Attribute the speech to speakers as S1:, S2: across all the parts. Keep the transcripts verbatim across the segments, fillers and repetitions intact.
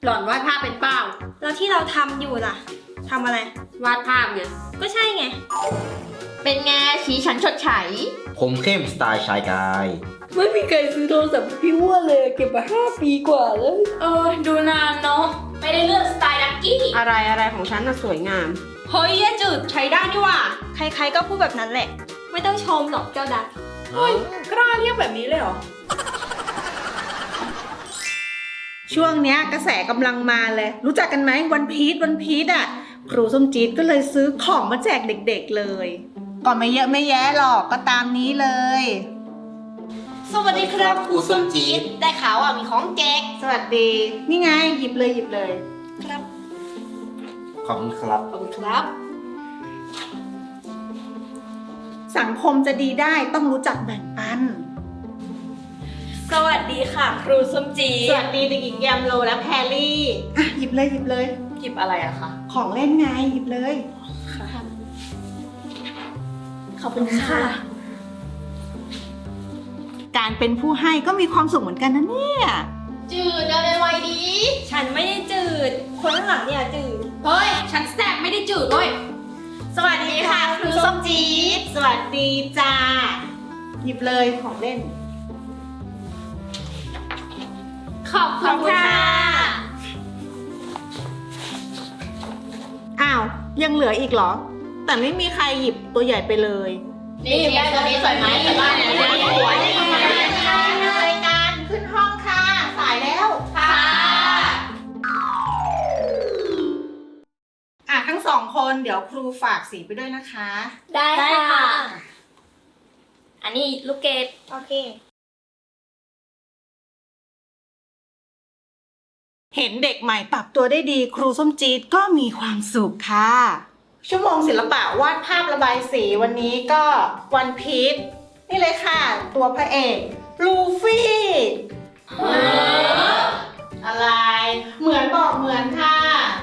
S1: หล่อนวาดภาพเป็นเปล่า
S2: แล้วที่เราทำอยู่ล่ะทำอะไร
S1: วาดภาพไง
S2: ก็ใช่ไง
S3: เป็นไงชี้ฉันชดใช้
S4: ผมเข้มสไตล์ชายกาย
S1: ไม่มีใครซื้อโทรศัพท์พี่ว่าเลยเก็บมาห้าปีกว่าแล้วเออดูนานเนาะ
S3: ไม่ได้เลือกสไตล์ดักกี้
S5: อะไรอะไรของฉันน่ะสวยงาม
S3: เฮ้ยยาจืดใช้ได้นี่ว่า
S2: ใครๆก็พูดแบบนั้นแหละไม่ต้องชมหรอกเจ้าดัก
S3: เฮ้ยกล้าเรียกแบบนี้เลยเหรอ
S6: ช่วงเนี้ยกระแสกำลังมาเลยรู้จักกันไหมวันพีชวันพีชอ่ะครูส้มจี๊ดก็เลยซื้อของมาแจกเด็กๆเลยก็ไม่เยอะไม่แยะหรอกก็ตามนี้เลย
S3: สวัสดีครับครูส้มจี๊ดได้ข่าวว่ามีของแจก
S6: สวัสดีนี่ไงหยิบเลยหยิบเลย
S3: ครับ
S4: ขอบคุณครับ
S3: ขอบคุณครับ
S6: สังคมจะดีได้ต้องรู้จักแบ่งปัน
S3: สวัสดีค่ะครูส้มจี๊ด
S6: สวัสดีเด็กหญิงแยมโลและแพรลี่อ่ะหยิบเลยหยิบเลย
S3: หยิบอะไรอะคะ
S6: ของเล่นไงหยิบเลย
S3: ค่ะขอบคุณค่ะ
S6: การเป็นผู้ให้ก็มีความสุขเหมือนกันนะเนี่ย
S3: จืดเดินไวดี
S2: ฉันไม่ได้จืดคนข้างหลังเนี่ยจืด
S3: เฮ้ยฉันแซ่บไม่ได้จืดเลยสวัสดีค่ะครูส้มจี๊ด
S6: สวัสดีจ้าหยิบเลยของเล่น
S3: ขอบคุณค่ะ
S6: อ้าวยังเหลืออีกเหรอแต่ไม่มีใครหยิบตัวใหญ่ไปเลย
S3: นี่แม่ตัวนี้สวยไหมสวยบ้านนี้สวย
S6: รายการขึ้นห้องค่ะสายแล้ว
S3: ค่ะ
S6: อ่ะทั้งสองคนเดี๋ยวครูฝากสีไปด้วยนะคะ
S2: ได้ค่ะอันนี้ลูกเกดโอเค
S6: เห็นเด็กใหม่ปรับตัวได้ดีครูส้มจี๊ดก็มีความสุขค่ะชั่วโมงศิลปะวาดภาพระบายสีวันนี้ก็วันพีชนี่เลยค่ะตัวพระเอกลูฟี่อะไรเหมือนบอกเหมือนค่ะ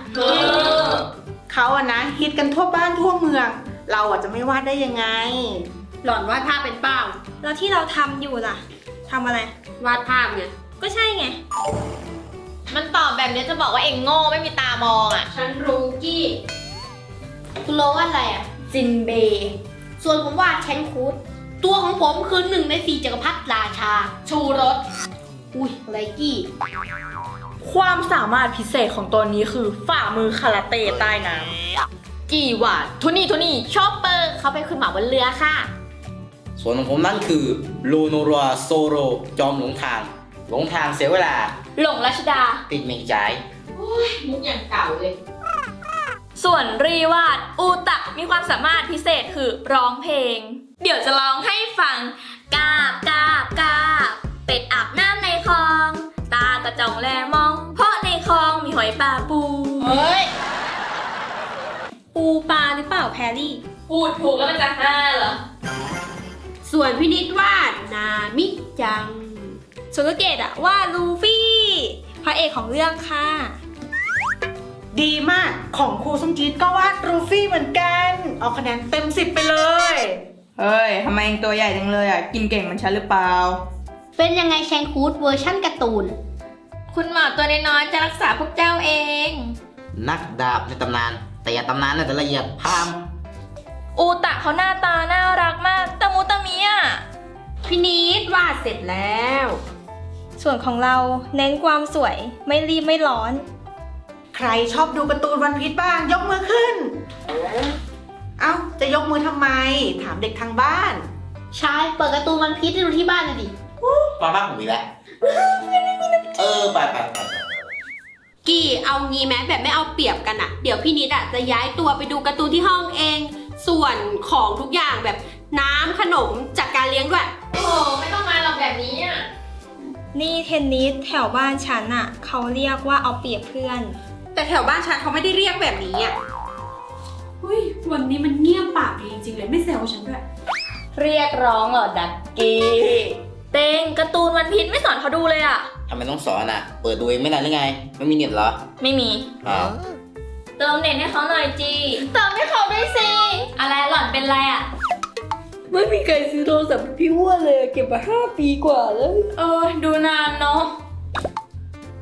S6: เขาอะนะฮิตกันทั่วบ้านทั่วเมืองเราอะจะไม่วาดได้ยังไง
S1: หล่อนวาดภาพเป็นเปล่า
S2: แล้วที่เราทำอยู่ล่ะทำอะไร
S1: วาดภาพไง
S2: ก็ใช่ไง
S3: มันตอบแบบนี้จะบอกว่าเอ็งโง่ไม่มีตามองอ่ะ
S1: ฉันรู้กี้
S3: คุณโลว่าอะไรอ่ะ
S1: จินเบย์
S3: ส่วนผมวาดแชนคูดตัวของผมคือหนึ่งในสี่จักรพรรดิราชาชูรสอุ้ยไรกี้
S5: ความสามารถพิเศษของตัวนี้คือฝ่ามือคาราเต้ใต้น้ำ
S3: กี่วาดทุนี่ทุนี่ชอปเปอร์เขาไปขึ้นหมาบนเรือค่ะ
S4: ส่วนของผมนั่นคือลูโนรัวโซโรจอมหลงทางหลงทางเสียเวลา
S3: หลงรัชดา
S4: ติดเมงใจ
S3: มุกอย่างเก่าเลย
S2: ส่วนรีวาดอูตะมีความสามารถพิเศษคือร้องเพลงเดี๋ยวจะร้องให้ฟังกาบกาบกาบเป็ดอาบน้ำในคลองตากระจ่องแลมองเพราะในคลองมีหอยปลาปู
S3: เฮ้ย
S2: ปูปลาหรือเปล่าแพรรี่
S3: พูดถูกแล้วมันจะห้าเหรอ
S5: ส่วนพินิจวาดนามิจัง
S2: ส่วนลูกเกดอะว่าลูฟี่พระเอกของเรื่องค่ะ
S6: ดีมากของครูส้มจี๊ดก็วาดลูฟี่เหมือนกันเอาคะแนนเต็มสิบไปเลย
S5: เฮ้ยทำไมเองตัวใหญ่จังเลยอ่ะกินเก่งมันฉันหรือเปล่า
S3: เป็นยังไงแชนคูดเวอร์ชั่นการ์ตูนคุณหมอตัวน้อยๆจะรักษาพวกเจ้าเอง
S4: นักดาบในตำนานแต่อย่าตำนานน่าจะละเอียดพาม
S2: อูตะเขาหน้าตาน่ารักมากตะมูตะมิอะ
S5: พี่นิดวาดเสร็จแล้ว
S2: ส่วนของเราเน้นความสวยไม่รีบไม่ร้อน
S6: ใครชอบดูการ์ตูนวันพีชบ้างยกมือขึ้นเอ้าจะยกมือทำไมถามเด็กทางบ้าน
S3: ใช่เปิดการ์ตูนวันพีชดูที่บ้านเลยดิ
S4: มาบ้านผมอีกแล้วเออไปไปไป
S5: กี่เอางี้ไหมแบบไม่เอาเปรียบกันอะเดี๋ยวพี่นิดอะจะย้ายตัวไปดูการ์ตูนที่ห้องเองส่วนของทุกอย่างแบบน้ำขนมจัดการเลี้ยงด้วย
S3: โอ้ไม่ต้องมาหรอกแบบนี้อะ
S2: นี่เทนนิสแถวบ้านฉันอะเขาเรียกว่าเอาเปรียบเพื่อน
S5: แต่แถวบ้านฉันเขาไม่ได้เรียกแบบนี้อะ
S1: เฮ้ยวันนี้มันเงียบปากดีจริงๆเลยไม่แซวฉันด้วย
S2: เรียกร้องเหรอดักกี้เต็งการ์ตูนวันพีชไม่สอนเขาดูเลยอะ
S4: ทำไมต้องสอนอ่ะเปิดดูเองไม่นานหรือไงไม่มีเน็ตเหรอ
S2: ไม่มี
S4: อ้าว
S2: เติมเน็ตให้เขาหน่อยจีเติมให้เขาด้วยสิอะไรหล่อนเป็นไรอะ
S1: ไม่มีใครซื้อโทรศัพท์พี่ว่าเลยเก็บมาห้าปีกว่าแล้ว
S2: เออดูนานเนาะ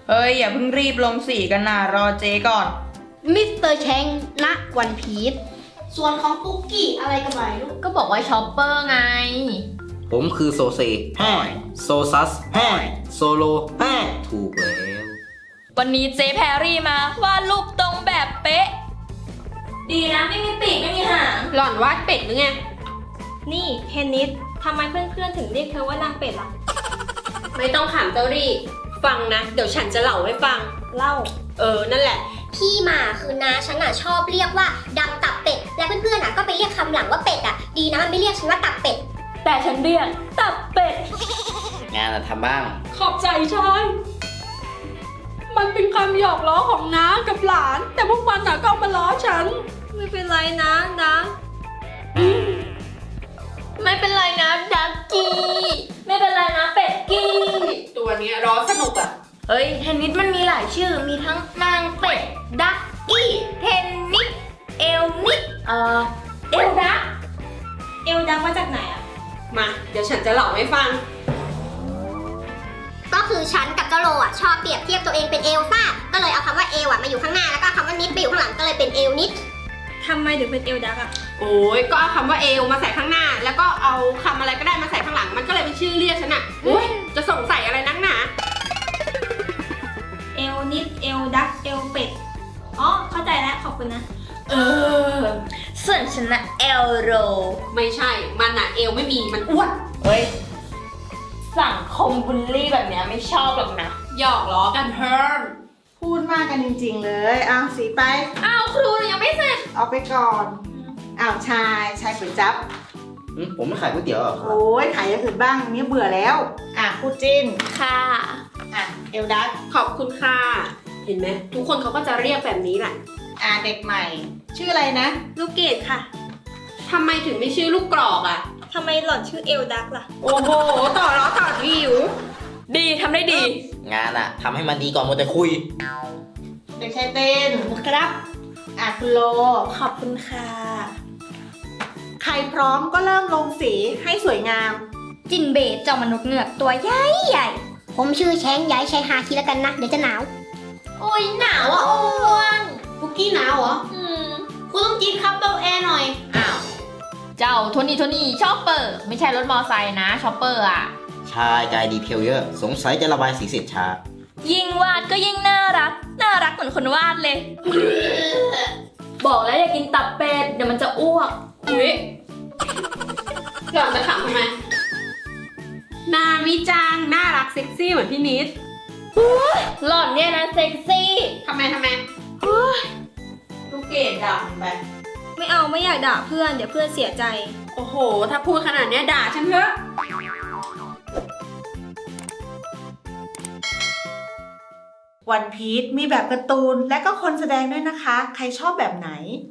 S1: เฮ้ย อย่าเพิ่งรีบลงสีกันนะรอเจก่อน
S3: มิสเตอร์แชงณวันพีชส่วนของปุ๊กกี้อะไรกันไหมลูก
S2: ก็บอกว่าช็อปเปอร์ไง
S4: ผมคือโซเซแฮ่โซซัสแฮ่โซโลแฮ่ถูกแล้ว
S2: วันนี้เจแพรรี่มาวาดรูปตรงแบบเป๊ะ ดีนะไม่มีปีกไม่มีหาง
S5: หล่อนวาดเป็ดหรือไง
S2: นี่เทนนิสทำไมเพื่อนๆถึงเรียกเธอว่านางเป็ดล่ะ
S5: ไม่ต้องถามเจ้ารี่ ฟังนะ เดี๋ยวฉันจะเล่าให้ฟัง
S2: เล่า
S5: เออ นั่นแหละ
S7: ที่มาคือน้าฉันอ่ะชอบเรียกว่าดำตับเป็ด และเพื่อนๆอ่ะก็ไปเรียกคำหลังว่าเป็ดอ่ะ ดีนะมันไม่เรียกฉันว่าตับเป็ด
S2: แต่ฉันเรียกตับเป็ด
S4: งานอะทำบ้าง
S1: ขอบใจชาย มันเป็นคำหยอกล้อของน้ากับหลาน แต่พวกมันน่ะก็เอามาล้อฉัน
S2: ไม่เป็นไรนะนะไม่เป็นไรนะดักกี้ ไม่เป็นไรนะเป็ดกี้
S5: ตัวเนี้ยร้อนสนุกอะ
S2: เฮ้ยเทนนิสมันมีหลายชื่อ มีทั้งนางเป็ด ดักกี้ เทนนิส เอลนิสเอ่อ เอลดัก เอลดักมาจากไหนอะ
S5: มา เดี๋ยวฉันจะเล่าให้ฟัง
S7: ก็คือฉันกับเจ้าโลอ่ะชอบเปรียบเทียบตัวเองเป็นเอลซ่า ก็เลยเอาคำว่าเอลอ่ะมาอยู่ข้างหน้าแล้วก็คำว่านิดไปอยู่ข้างหลังก็เลยเป็นเอลนิด
S2: ทำไมถึงเป็นเอลดักอะ
S5: โอ้ยก็เอาคำว่าเอลมาใส่ข้างหน้า แล้วก็เอาคำอะไรก็ได้มาใส่ข้างหลัง มันก็เลยเป็นชื่อเรียกฉันอะโอ้ยจะสงสัยอะไรนักหนา
S2: เอลนิด เอลดัก เอลเป็ด อ๋อ เข้าใจแล้ว ขอบคุณนะ
S5: เออ
S2: ส่วนฉันนะเอลโร
S5: ไม่ใช่ มันอะเอลไม่มี มันอ้วน
S2: เฮ้ย สังคมบูลลี่แบบเนี้ยไม่ชอบหรอกนะ
S5: หยอกล้อกันเพิ่ม
S6: พูดมากกันจริงๆเลยอ้าวสีไป
S2: อ้าว ครูยังไม่เสร็จ
S6: เอาไปก่อนอ้าวชายชายก๋วยจั๊บ
S4: อืมผมไม่ขายก๋วยเตี๋ยวหรอกครับ
S6: โอ้ยขายอย่างอื่นบ้างนี่เบื่อแล้วอ่ะคู่จิ้น
S2: ค่ะ
S6: อ่ะเอลดัก
S5: ขอบคุณค่ะ เห็นไหมทุกคนเขาก็จะเรียกแบบนี้แหละ
S6: อ่ะเด็กใหม่ ชื่ออะไรนะ
S2: ลูกเกดค่ะ
S5: ทำไมถึงไม่ชื่อลูกกรอกอะ
S2: ทำไมหล่อนชื่อเอลดักล่ะ
S5: โอ้โห ต่อล้อต่อวิว
S2: ดีทำได้ดี
S4: งานอะทำให้มันดีก่อนมัวแต่คุย
S6: เด็กชายเต้น
S2: ครับ
S6: อ่ะคุณโล
S2: ขอบคุณค่ะ
S6: ใครพร้อมก็เริ่มลงสีให้สวยงาม
S2: จินเบตเจ้ามนุษย์เงือกตัวใหญ่ใหญ่
S7: ผมชื่อแชงย้ายชายฮาคิแล้วกันนะ เดี๋ยวจะหนาว
S2: โอ้ยหนาวอ่ะอ้วน
S3: ปุ๊กกี้หนาวเหรอ
S2: อืม
S3: คุณต้องจีนครับเบลแอร์หน่อย
S2: อ้าว เจ้าโทนี่โทนี่ชอปเปอร์ ไม่ใช่รถมอไซค์นะชอปเปอร์อ่ะ
S4: ชายกายดีเทลเยอะ สงสัยจะระบายสีเสร็จช้า
S2: ยิ่งวาดก็ยิ่งน่ารัก น่ารักเหมือนคนวาดเลย บอกแล้วอย่ากินตับเป็ด เดี๋ยวมันจะอ้วก
S5: อุ้ยหล่อนจะขำทำไม นามิจัง น่ารักเซ็กซี่เหมือนพี่นิด
S2: หล่อนเนี่ยนะเซ็กซี่
S5: ทำไมทำไมลูกเกดด่าผมไป
S2: ไม่เอาไม่อยากด่าเพื่อน เดี๋ยวเพื่อนเสียใจ
S5: โอ้โห ถ้าพูดขนาดเนี้ยด่าฉันเถอะ
S6: วันพีชมีแบบการ์ตูนและก็คนแสดงด้วยนะคะ ใครชอบแบบไหน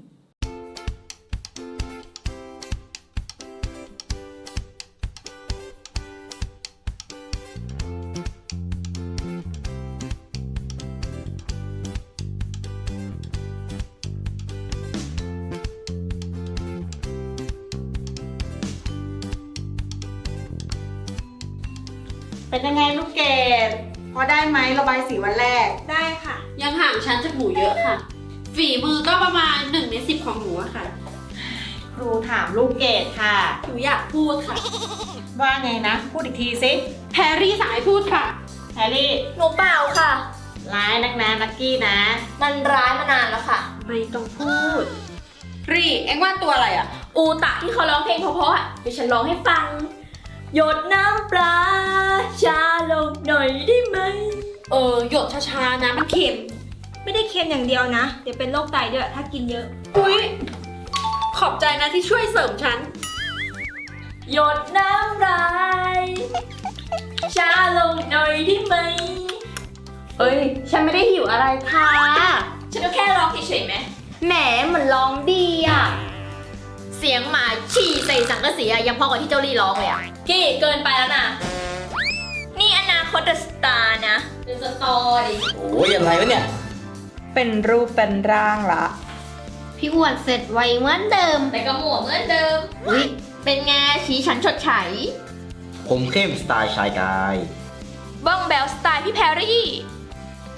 S6: เป็นยังไงลูกเกดพอได้ไหมระบายสีวันแรก
S2: ได้ค่ะ
S5: ยังห่างฉันจากหนูเยอะค่ะ ฝีมือก็ประมาณหนึ่งในสิบของหนูอะค่ะ
S6: ครูถามลูกเกดค่ะ
S5: หนูอยากพูดค่ะ
S6: ว่าไงนะ พูดอีกทีสิ
S5: แพรรี่สายพูดค่ะ
S6: แฮร์รี่
S2: หนูเปล่าค่ะ
S6: ร้ายนักนะนักกี้นะ
S2: มันร้ายมานานแล้วค่ะ
S5: ไม่ต้องพูด รี่ เอ็งว่าตัวอะไรอะ
S2: อูตะที่เขาร้องเพลงเพราะๆอ่ะเดี๋ยวฉันร้องให้ฟัง หยดน้ำปลาชาลงหน่อยได้ไหม
S5: เออ หยดช้าๆนะมันเค็ม
S2: ไม่ได้เค็มอย่างเดียวนะ เดี๋ยวเป็นโรคไตด้วยถ้ากินเยอะ
S5: อุ้ยขอบใจนะที่ช่วยเสริมฉัน
S2: หยดน้ำลายชาลงหน่อยได้ไหมเอ้ย ฉันไม่ได้หิวอะไรค่ะ ฉันก็แค่ร้องเฉยๆไหมแหมเหมือนร้องดีอ่ะ เสียงหมาฉี่ใส่สังกะสีอะยังพอกว่าที่เจ้าลี่ร้องเลยอ่ะกี้เกินไปแล้วนะ นี่อนาคตเดอะสตาร์นะเดอะสตอร์ดิ
S4: โอ้ยอะไรวะเนี่ย
S1: เป็นรูปเป็นร่างละ
S3: พี่อ้วนเสร็จไวเหมือนเดิม
S2: แต่ก็หมวกเหมือนเดิมอุ๊ยเป็นไงชี้ฉันฉดไฉ
S4: ผมเข้มสไตล์ชายกาย
S2: บ้องแบลสไตล์พี่แพรรี่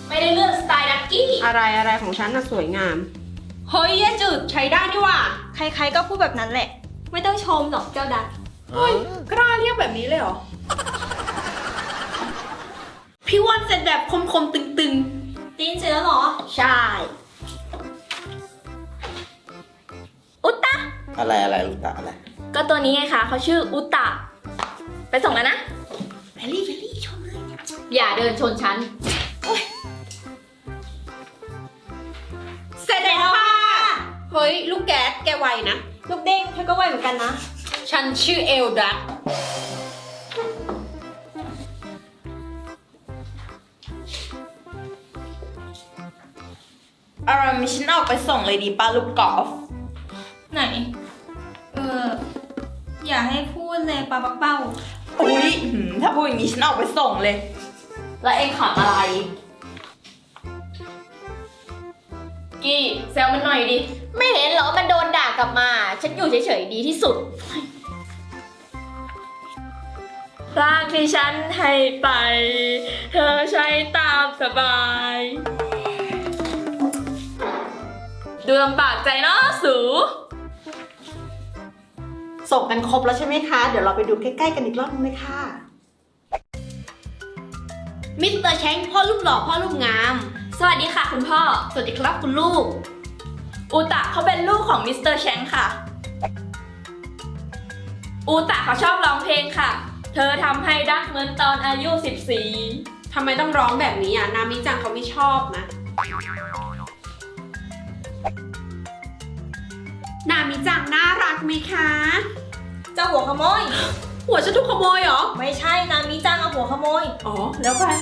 S2: ไม่ได้เลือกสไตล์ดักกี้
S5: อะไรอะไรของฉันน่ะสวยงาม เฮ้ยแย่จืดใช้ได้นี่หว่า
S2: ใครๆก็พูดแบบนั้นแหละ ไม่ต้องชมหรอกเจ้าดัก
S1: เฮ้ย กล้าเรียกแบบนี้เลยเหรอ
S5: พี่วันเสร็จแบบคมๆตึง
S2: ตีนเสร็จแล้วเหรอ
S5: ๆ ใช่
S2: อุตตะ
S4: อะไรอะไรลูกตาอะไร
S2: ก็ตัวนี้ไงคะเขาชื่ออุตตะ ไปส่งแล้วนะ
S5: เฟลลี่เฟลลี่ชมเลย
S2: อย่าเดินชนฉัน
S5: เสร็จแล้วค่ะ เฮ้ย ลูกแก๊สแกไวนะ
S2: ลูกเด้งเธอก็ไหวเหมือนกันนะ
S5: ฉันชื่อเอลดัก
S6: อารามฉันออกไปส่งเลยดีป้าลูกกอล์ฟ
S2: ไหน เออ อย่าให้พูดเลยปลาปักเป้า
S6: อุ๊ยหืมถ้าพูดอย่างนี้ฉันออกไปส่งเลย
S2: แล้วเองขำอะไร กี้แซวมันหน่อยดิ ไม่เห็นเหรอมันโดนด่ากลับมา ฉันอยู่เฉยๆดีที่สุดร่างที่ฉันให้ไป เธอใช้ตามสบาย ดูลำบากใจเนาะสู
S6: ส่งกันครบแล้วใช่ไหมคะ เดี๋ยวเราไปดูใกล้ๆกันอีกรอบนึงเลยค่ะ
S5: มิสเตอร์แชงพ่อลูกหล่อพ่อลูกงาม
S2: สวัสดีค่ะคุณพ่อ
S5: สวัสดีครับคุณลูก
S2: อูตะเขาเป็นลูกของมิสเตอร์แชงค่ะ อูตะเขาชอบร้องเพลงค่ะ เธอทำให้รักเหมือนตอนอายุสิบสี่
S5: ทำไมต้องร้องแบบนี้อ่ะ นามิจังเขาไม่ชอบนะ นามิจังน่ารักไหมคะ
S2: เจ้าหัวขโมย
S5: หัวฉันถูกขโมยเหรอ
S2: ไม่ใช่นามิจังเอาหัวขโมย
S5: อ๋อ แล้วไป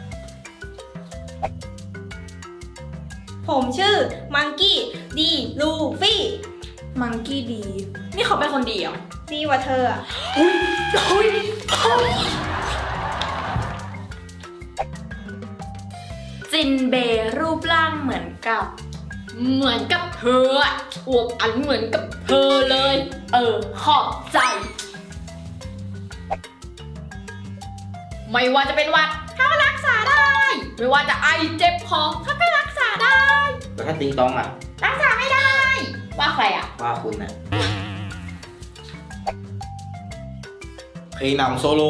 S2: ผมชื่อมังกี้ดีลูฟี่ มังกี้ดี นี่เขาเป็นคนดีเหรอ ดีกว่าเธออะจินเบรูปร่างเหมือนกับ
S3: เหมือนกับเธออะอวบอันเหมือนกับเธอเลย
S2: เออ ขอบใจ
S3: ไม่ว่าจะเป็นหวัดเขาก็รักษาได้ ไม่ว่าจะไอเจ็บคอเขาก็รักษาได้
S4: แล้วถ้าติงตองอ่ะ
S3: รักษาไม่ได้ ว่าใครอ่ะ
S4: ว่าคุณน่ะเพลงนำโซโล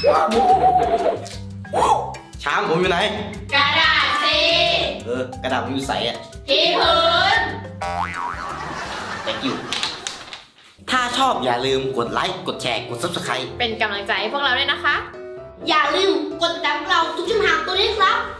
S4: ช้างผมอยู่ไหน
S3: กระดาษสี
S4: เออกระดาษผมอยู่ใสอ่ะ
S3: ที่พื้น
S4: thank you ถ้าชอบอย่าลืมกดไลค์ กดแชร์ กด ซับสไครบ์
S3: เป็นกำลังใจให้พวกเราด้วยนะคะ
S5: อย่าลืมกดติดตามพวกเราทุกช่องทางตัวนี้ครับ